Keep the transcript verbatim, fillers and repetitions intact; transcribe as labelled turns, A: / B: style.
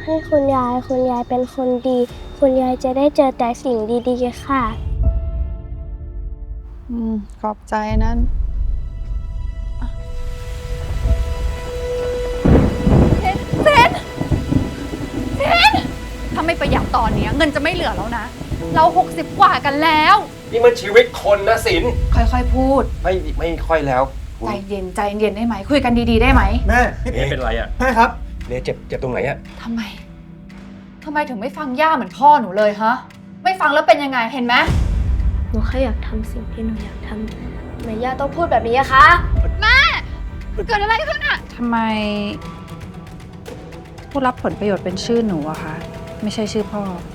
A: ให้คุณยายคุณยายเป็นคนดี คุณยายจะได้เจอแต่สิ่งดีๆค่ะ
B: อืมขอบใจนั้น
C: เซนเซนถ้าไม่ประหยัดตอนนี้เงินจะไม่เหลือแล้วนะ เราหกสิบกว่ากันแล้ว
D: นี่มันชีวิตคนนะสิน
C: ค่อยๆพูด
D: ไม่ไม่ค่อยแล้วคุณ
C: ใจเย็นใจเย็นได้ไหม คุยกันดีๆได้ไหม
E: แม่
D: เอะเป็นไรอ่ะ
E: แม่ครับ
D: เนี่ยเจ็บเจ็บตรงไหนอ่ะ
C: ทำไมทำไมถึงไม่ฟังย่าเหมือนพ่อหนูเลยฮะ ไม่ฟังแล้วเป็นยังไงเห็นไหม
A: หนูแค่อยากทำสิ่งที่หนูอยากทำทำไมย่าต้องพูดแบบนี้อะคะ
C: เกิดอะไรขึ้นอะ
B: ทำไม ผู้รับผลประโยชน์เป็นชื่อหนูอะคะ ไม่ใช่ชื่อพ่อ